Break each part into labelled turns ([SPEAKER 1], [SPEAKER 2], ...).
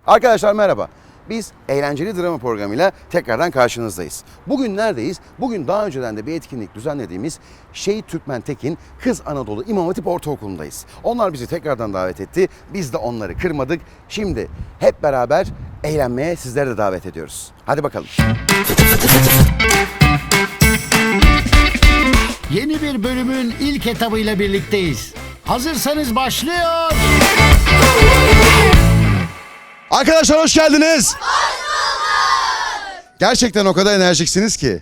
[SPEAKER 1] Arkadaşlar merhaba. Biz eğlenceli drama programıyla tekrardan karşınızdayız. Bugün neredeyiz? Bugün daha önceden de bir etkinlik düzenlediğimiz Şehit Türkmen Tekin Kız Anadolu İmam Hatip Ortaokulu'ndayız. Onlar bizi tekrardan davet etti. Biz de onları kırmadık. Şimdi hep beraber eğlenmeye sizleri de davet ediyoruz. Hadi bakalım.
[SPEAKER 2] Yeni bir bölümün ilk etabıyla birlikteyiz. Hazırsanız başlıyor.
[SPEAKER 1] Arkadaşlar hoş geldiniz. Hoş bulduk. Gerçekten o kadar enerjiksiniz ki.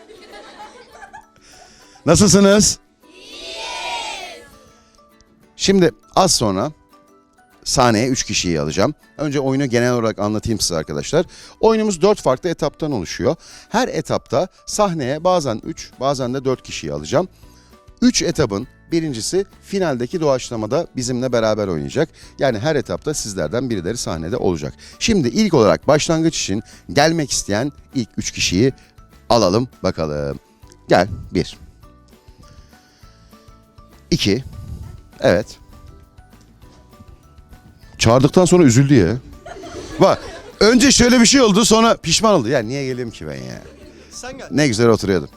[SPEAKER 1] Nasılsınız? İyiyiz. Şimdi az sonra sahneye 3 kişiyi alacağım. Önce oyunu genel olarak anlatayım size arkadaşlar. Oyunumuz 4 farklı etaptan oluşuyor. Her etapta sahneye bazen 3, bazen de 4 kişiyi alacağım. 3 etapın birincisi finaldeki doğaçlamada bizimle beraber oynayacak. Yani her etapta sizlerden birileri sahnede olacak. Şimdi ilk olarak başlangıç için gelmek isteyen ilk 3 kişiyi alalım bakalım. Gel. 1 2 Evet. Çağırdıktan sonra üzüldü ya. Bak önce şöyle bir şey oldu, sonra pişman oldu. Ya niye geleyim ki ben ya?
[SPEAKER 3] Sen gel.
[SPEAKER 1] Ne güzel oturuyordum.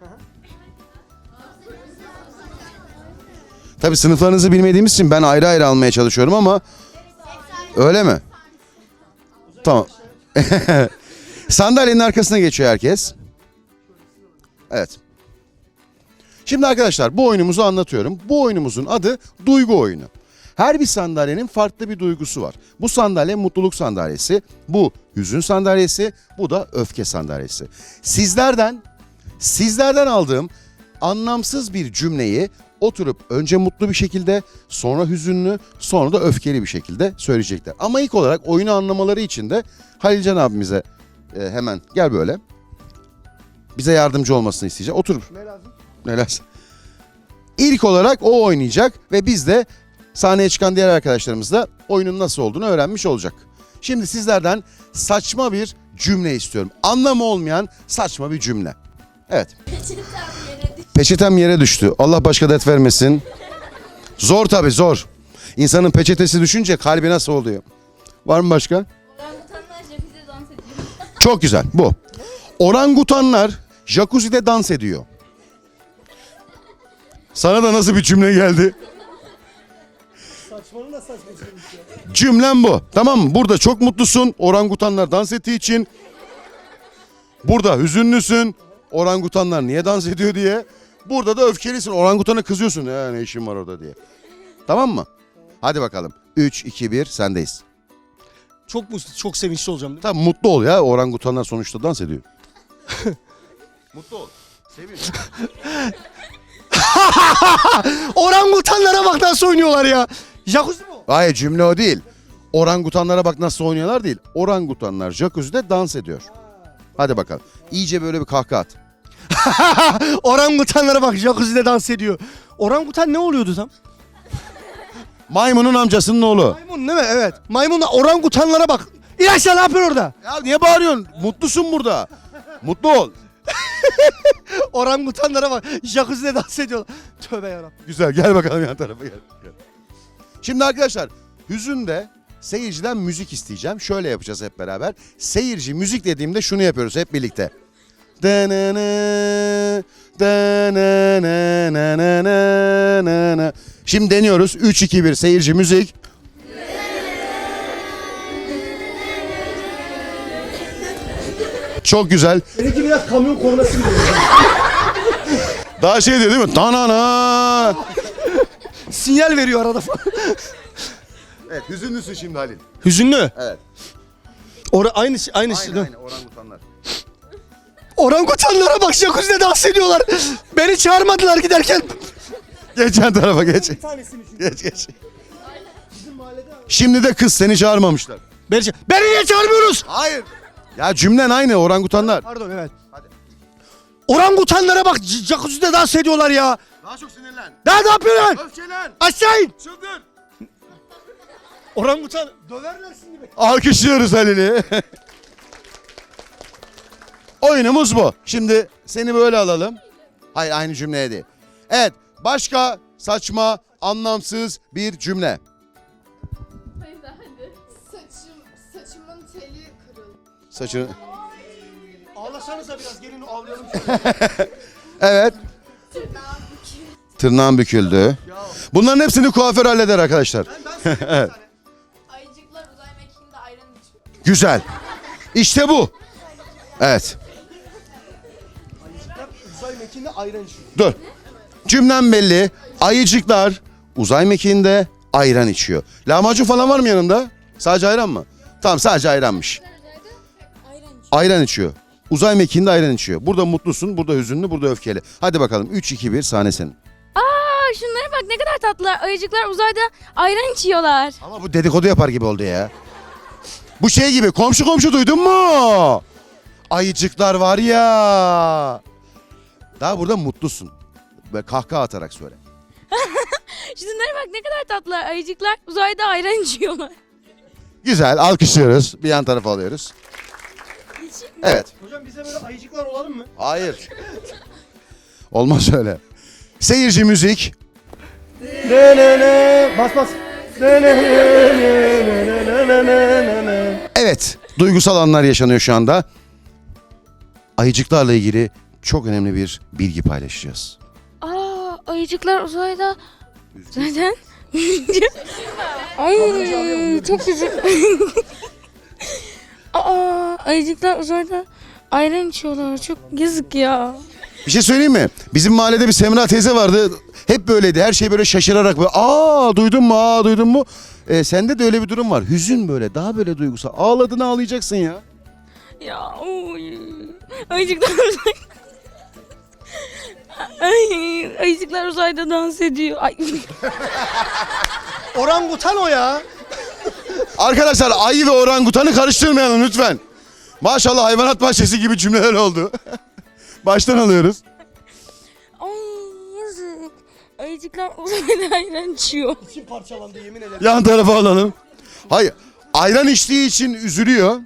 [SPEAKER 1] Tabii sınıflarınızı bilmediğimiz için ben ayrı ayrı almaya çalışıyorum ama öyle mi? Tamam. Sandalyenin arkasına geçiyor herkes. Evet. Şimdi arkadaşlar bu oyunumuzu anlatıyorum. Bu oyunumuzun adı duygu oyunu. Her bir sandalyenin farklı bir duygusu var. Bu sandalye mutluluk sandalyesi, bu hüzün sandalyesi, bu da öfke sandalyesi. Sizlerden aldığım anlamsız bir cümleyi oturup önce mutlu bir şekilde, sonra hüzünlü, sonra da öfkeli bir şekilde söyleyecekler. Ama ilk olarak oyunu anlamaları için de Halilcan abimize hemen gel böyle. Bize yardımcı olmasını isteyeceğim. Otur.
[SPEAKER 3] Ne lazım?
[SPEAKER 1] Ne lazım? İlk olarak o oynayacak ve biz de sahneye çıkan diğer arkadaşlarımız da oyunun nasıl olduğunu öğrenmiş olacak. Şimdi sizlerden saçma bir cümle istiyorum. Anlamı olmayan saçma bir cümle. Evet. Peçetem yere düştü. Allah başka dert vermesin. Zor tabii zor. İnsanın peçetesi düşünce kalbi nasıl oluyor? Var mı başka?
[SPEAKER 4] Orangutanlar jacuzzi'de dans ediyor.
[SPEAKER 1] Çok güzel bu. Orangutanlar jacuzzi'de dans ediyor. Sana da nasıl bir cümle geldi?
[SPEAKER 3] Saçmanın da saçma şeymiş ya.
[SPEAKER 1] Cümlem bu. Tamam mı? Burada çok mutlusun. Orangutanlar dans ettiği için. Burada hüzünlüsün. Orangutanlar niye dans ediyor diye. Burada da öfkelisin. Orangutana kızıyorsun. Ya ne işin var orada diye. Tamam mı? Hadi bakalım. 3, 2, 1 sendeyiz.
[SPEAKER 3] Çok sevinçli olacağım değil mi?
[SPEAKER 1] Tamam mutlu ol ya. Orangutanlar sonuçta dans ediyor. Mutlu ol. Sevin.
[SPEAKER 3] Orangutanlara bak nasıl oynuyorlar ya. Jacuzzi mi o?
[SPEAKER 1] Hayır cümle o değil. Orangutanlara bak nasıl oynuyorlar değil. Orangutanlar jacuzzi'de dans ediyor. Hadi bakalım. İyice böyle bir kahkaha at.
[SPEAKER 3] Orangutanlara bak jacuzzi'de dans ediyor. Orangutan ne oluyordu tam?
[SPEAKER 1] Maymunun amcasının oğlu.
[SPEAKER 3] Maymun değil mi? Evet. Maymunla orangutanlara bak. İlaçla ne yapıyor orada?
[SPEAKER 1] Ya niye bağırıyorsun? Mutlusun burada. Mutlu ol.
[SPEAKER 3] Orangutanlara bak. Jacuzzi'de dans ediyorlar. Tövbe yarabbim.
[SPEAKER 1] Güzel gel bakalım yan tarafa gel. Şimdi arkadaşlar hüzünde seyirciden müzik isteyeceğim. Şöyle yapacağız hep beraber. Seyirci müzik dediğimde şunu yapıyoruz hep birlikte. Şimdi deniyoruz. 3, 2, 1 seyirci müzik. Çok güzel.
[SPEAKER 3] Benimki biraz kamyon kornası gibi.
[SPEAKER 1] Daha şey diyor değil mi? Tanana.
[SPEAKER 3] Sinyal veriyor arada falan.
[SPEAKER 1] Evet hüzünlüsün şimdi Halil.
[SPEAKER 3] Hüzünlü.
[SPEAKER 1] Evet.
[SPEAKER 3] Aynı
[SPEAKER 1] Aynen orangutanlar.
[SPEAKER 3] Orangutanlara bak jacuzzi'de dans ediyorlar. Beni çağırmadılar giderken.
[SPEAKER 1] Geç yan tarafa geç.
[SPEAKER 3] Bir tanesini çünkü.
[SPEAKER 1] Geç. Şimdi de kız seni çağırmamışlar.
[SPEAKER 3] Beni niye çağırmıyoruz?
[SPEAKER 1] Hayır. Ya cümlen aynı orangutanlar.
[SPEAKER 3] Pardon evet.
[SPEAKER 1] Hadi.
[SPEAKER 3] Orangutanlara bak jacuzzi'de dans ediyorlar ya.
[SPEAKER 1] Daha çok sinirlen.
[SPEAKER 3] Daha ne yapıyorlar?
[SPEAKER 1] Öfkelen.
[SPEAKER 3] Aşağı in.
[SPEAKER 1] Çıldır.
[SPEAKER 3] Orangutan döverler şimdi beni.
[SPEAKER 1] Alkışlıyoruz Halil'i. Oyunumuz bu. Şimdi seni böyle alalım. Hayır aynı cümleye değil. Evet başka saçma anlamsız bir cümle.
[SPEAKER 4] Hayır hadi. Saçım
[SPEAKER 1] Saçını...
[SPEAKER 3] Ağlasanıza biraz gelin ağlayalım.
[SPEAKER 1] Evet. Tırnağım büküldü. Bunların hepsini kuaför halleder arkadaşlar. Evet.
[SPEAKER 4] Ayıcıklar uzay mekiğinde ayran içiyor.
[SPEAKER 1] Güzel. İşte bu. Evet.
[SPEAKER 3] Uzay mekiğinde ayran içiyor.
[SPEAKER 1] Dur. Cümlem belli. Ayıcıklar uzay mekiğinde ayran içiyor. Lahmacun falan var mı yanında? Sadece ayran mı? Tamam, sadece ayranmış.
[SPEAKER 4] Ayran içiyor.
[SPEAKER 1] Ayran içiyor. Uzay mekiğinde ayran içiyor. Burada mutlusun, burada hüzünlü, burada öfkeli. Hadi bakalım 3, 2, 1 sahne senin.
[SPEAKER 5] Aa, şunlara bak ne kadar tatlılar. Ayıcıklar uzayda ayran içiyorlar.
[SPEAKER 1] Ama bu dedikodu yapar gibi oldu ya. Bu şey gibi, komşu komşu duydun mu? Ayıcıklar var ya. Daha burada mutlusun. Ve kahkaha atarak söyle.
[SPEAKER 5] Şunlara bak ne kadar tatlılar. Ayıcıklar uzayda ayran içiyorlar.
[SPEAKER 1] Güzel, alkışlıyoruz. Bir yan tarafa alıyoruz. Evet.
[SPEAKER 3] Hocam bize böyle ayıcıklar olalım mı?
[SPEAKER 1] Hayır. Olmaz öyle. Seyirci müzik.
[SPEAKER 3] Bas bas.
[SPEAKER 1] Evet, duygusal anlar yaşanıyor şu anda. Ayıcıklarla ilgili çok önemli bir bilgi paylaşacağız.
[SPEAKER 5] Aa, ayıcıklar uzayda zaten. Ay çok güzel. Aa, ayıcıklar uzayda ayran içiyorlar. Çok yazık ya.
[SPEAKER 1] Bir şey söyleyeyim mi? Bizim mahallede bir Semra teyze vardı. Hep böyleydi. Her şey böyle şaşırarak böyle duydun mu? Duydun mu? Sende de öyle bir durum var. Hüzün böyle, daha böyle duygusal. Ağladın ağlayacaksın ya.
[SPEAKER 5] Ya oy. Ayıcıklar uzayda. Ay, ayıcıklar uzayda dans ediyor. Ay.
[SPEAKER 3] Orangutan o ya.
[SPEAKER 1] Arkadaşlar ayı ve orangutanı karıştırmayalım lütfen. Maşallah hayvanat bahçesi gibi cümleler oldu. Baştan alıyoruz.
[SPEAKER 5] Ay yazık. Ayıcıklar uzayda ayran içiyor.
[SPEAKER 3] İçim parçalandı yemin ederim.
[SPEAKER 1] Yan tarafa alalım. Hayır. Ayran içtiği için üzülüyor.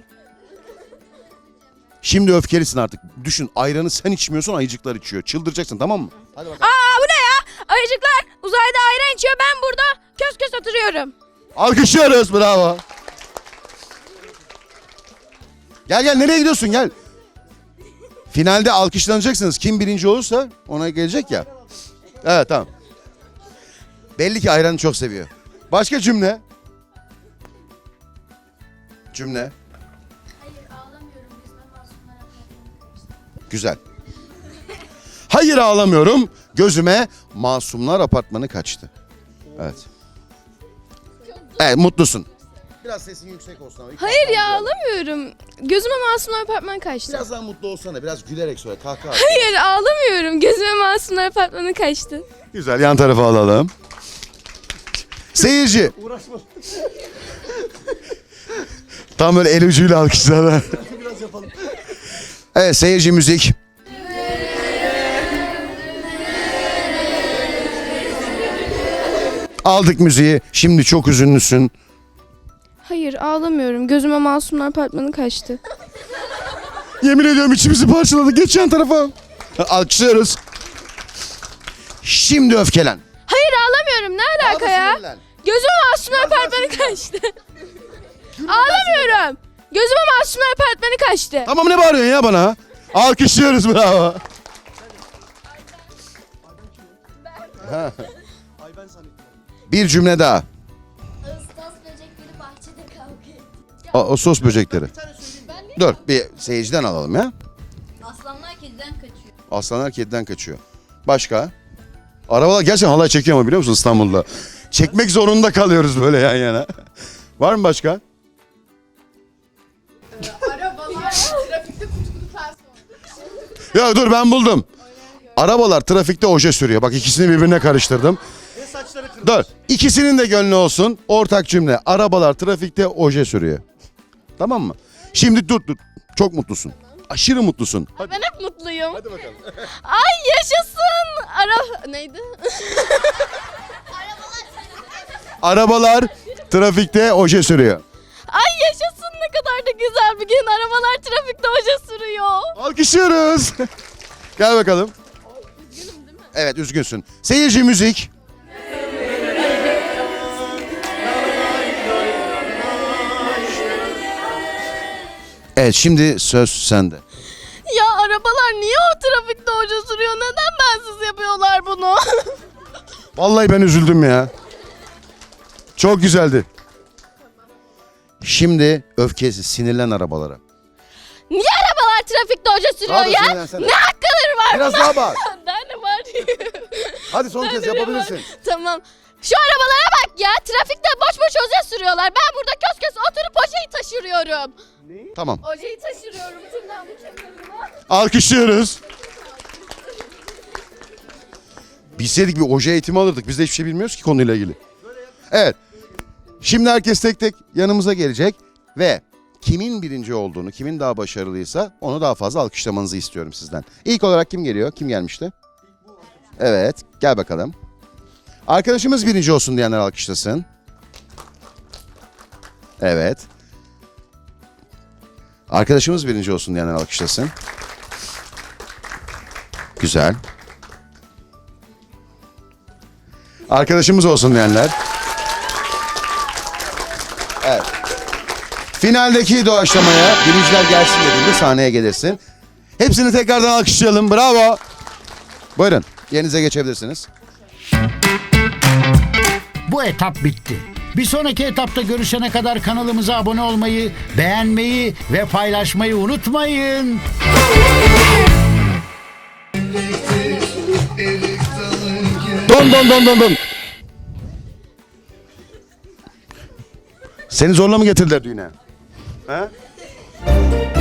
[SPEAKER 1] Şimdi öfkelisin artık. Düşün, ayranı sen içmiyorsun, ayıcıklar içiyor. Çıldıracaksın, tamam mı? Hadi bakalım.
[SPEAKER 5] Aa, bu ne ya? Ayıcıklar uzayda ayran içiyor. Ben burada kös kös oturuyorum.
[SPEAKER 1] Alkışlıyoruz, bravo. Gel nereye gidiyorsun, gel. Finalde alkışlanacaksınız. Kim birinci olursa ona gelecek ya. Evet, tamam. Belli ki ayranı çok seviyor. Başka cümle. Cümle.
[SPEAKER 4] Hayır ağlamıyorum. Yüzme masumlara kalkmam.
[SPEAKER 1] Güzel. Hayır ağlamıyorum. Gözüme Masumlar Apartmanı kaçtı. Evet. Evet, mutlusun. Biraz sesin yüksek olsun ama.
[SPEAKER 6] Hayır ya ağlamıyorum. Gözüme Masumlar Apartmanı kaçtı.
[SPEAKER 1] Biraz daha mutlu olsana. Biraz gülerek söyle. Kahkaha.
[SPEAKER 6] Hayır ağlamıyorum. Gözüme Masumlar Apartmanı kaçtı.
[SPEAKER 1] Güzel, yan tarafa alalım. Seyirci.
[SPEAKER 3] Uğraşma.
[SPEAKER 1] Tam böyle el ucuyla alkışlar.
[SPEAKER 3] Biraz yapalım.
[SPEAKER 1] Evet, seyirci müzik. Aldık müziği. Şimdi çok üzünlüsün.
[SPEAKER 6] Hayır ağlamıyorum. Gözüme Masumlar Apartmanı kaçtı.
[SPEAKER 1] Yemin ediyorum içimizi parçaladı. Geç yan tarafa. Alkışlıyoruz. Şimdi öfkelen.
[SPEAKER 6] Hayır ağlamıyorum. Ne alaka ya? Gözüme Masumlar Apartmanı kaçtı. Ağlamıyorum. Gözüme Masumlar Apartmanı kaçtı.
[SPEAKER 1] Tamam, ne bağırıyorsun ya bana? Alkışlıyoruz, bravo.
[SPEAKER 3] Ay ben zannettim.
[SPEAKER 1] Bir cümle daha.
[SPEAKER 4] Ağustos böcekleri bahçede kavga etti.
[SPEAKER 1] O sos böcekleri.
[SPEAKER 3] Bir tane söyleyeyim mi?
[SPEAKER 1] Dur, bir seyirciden alalım ya.
[SPEAKER 4] Aslanlar kediden kaçıyor.
[SPEAKER 1] Aslanlar kediden kaçıyor. Başka? Arabalar gerçekten halay çekiyor ama biliyor musun İstanbul'da? Çekmek zorunda kalıyoruz böyle yan yana. Var mı başka?
[SPEAKER 4] Arabalar trafikte kutukluklar sonra.
[SPEAKER 1] Ya dur, ben buldum. Arabalar trafikte oje sürüyor. Bak, ikisini birbirine karıştırdım.
[SPEAKER 3] Ve saçları kırmızı.
[SPEAKER 1] Dur. İkisinin de gönlü olsun. Ortak cümle. Arabalar trafikte oje sürüyor. Tamam mı? Şimdi dur. Çok mutlusun. Aşırı mutlusun.
[SPEAKER 6] Ben hep mutluyum.
[SPEAKER 1] Hadi bakalım.
[SPEAKER 6] Ay yaşasın. Neydi?
[SPEAKER 1] Arabalar trafikte oje sürüyor.
[SPEAKER 6] Ay yaşasın, ne kadar da güzel bir gün. Arabalar trafikte oje sürüyor.
[SPEAKER 1] Alkışlıyoruz. Gel bakalım.
[SPEAKER 6] Üzgünüm değil mi?
[SPEAKER 1] Evet, üzgünsün. Seyirci müzik. Evet, şimdi söz sende.
[SPEAKER 6] Ya arabalar niye o trafikte hoca sürüyor? Neden bensiz yapıyorlar bunu?
[SPEAKER 1] Vallahi ben üzüldüm ya. Çok güzeldi. Şimdi öfkesi, sinirlen arabalara.
[SPEAKER 6] Niye arabalar trafikte hoca sürüyor
[SPEAKER 1] Daha da
[SPEAKER 6] ya?
[SPEAKER 1] sinirlensene.
[SPEAKER 6] Ne hakları var?
[SPEAKER 1] Biraz daha bağır.
[SPEAKER 6] Daha ne var?
[SPEAKER 1] Hadi son kez yapabilirsin.
[SPEAKER 6] Tamam. Şu arabalara bak ya. Trafikte boş boş hoca sürüyorlar. Ben burada kös kös oturup hocayı taşırıyorum.
[SPEAKER 1] Tamam.
[SPEAKER 6] Hocayı taşırıyorum tırnağımı kenarına.
[SPEAKER 1] Alkışlıyoruz. Bilseydik bir oje eğitimi alırdık. Biz de hiçbir şey bilmiyoruz ki konuyla ilgili. Evet. Şimdi herkes tek tek yanımıza gelecek ve kimin birinci olduğunu, kimin daha başarılıysa onu daha fazla alkışlamanızı istiyorum sizden. İlk olarak kim geliyor? Kim gelmişti? Evet, gel bakalım. Arkadaşımız birinci olsun diyenler alkışlasın. Evet. Arkadaşımız birinci olsun diyenler alkışlasın. Güzel. Arkadaşımız olsun diyenler. Evet. Finaldeki doğaçlamaya birinciler gelsin dediğinde sahneye gelirsin. Hepsini tekrardan alkışlayalım. Bravo. Buyurun. Yerinize geçebilirsiniz.
[SPEAKER 2] Bu etap bitti. Bir sonraki etapta görüşene kadar kanalımıza abone olmayı, beğenmeyi ve paylaşmayı unutmayın.
[SPEAKER 1] Don. Seni zorla mı getirdiler düğüne? He?